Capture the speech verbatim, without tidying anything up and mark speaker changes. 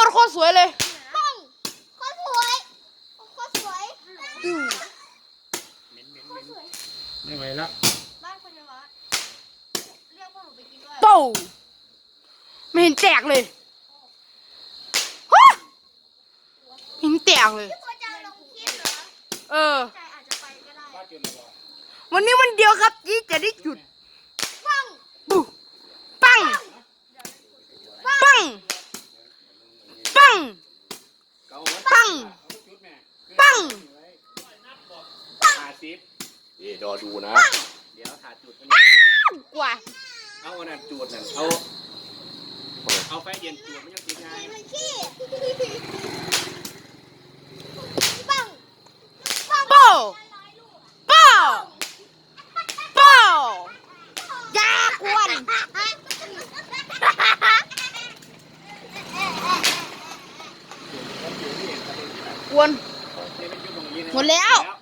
Speaker 1: ดโคตรสวยเลย
Speaker 2: ปังโคตรสวยโคตรสวย
Speaker 1: อือ
Speaker 3: เหม็นเหม็นเหม็นไม่ไหวแล้ว
Speaker 2: บ้านคุณวัดเรียกพวกหนูไปกินด้วย
Speaker 1: โป้ไม่เห็นแตกเลยฮะเห็นแตกเลย
Speaker 2: พี่ควรจะลงคลิปเหรอ
Speaker 1: เออ
Speaker 2: ใจอาจจะไปก็ได้
Speaker 1: วันนี้วันเดียวครับที่จะได้จุด
Speaker 2: ปัง
Speaker 1: ปุ๊ปังปังปังปังปัง
Speaker 3: ถ่าสิบนี่รอดูนะเดี๋ยวถ่าจุด
Speaker 1: กว่า
Speaker 3: เอาอันนั้นจุดนั่นเอาเอาไฟเย็นจุดไม่ยังติดไง
Speaker 2: มันขี้ปังปัง
Speaker 1: โป้โป้โป้ยาควนกวนหมดแล้ว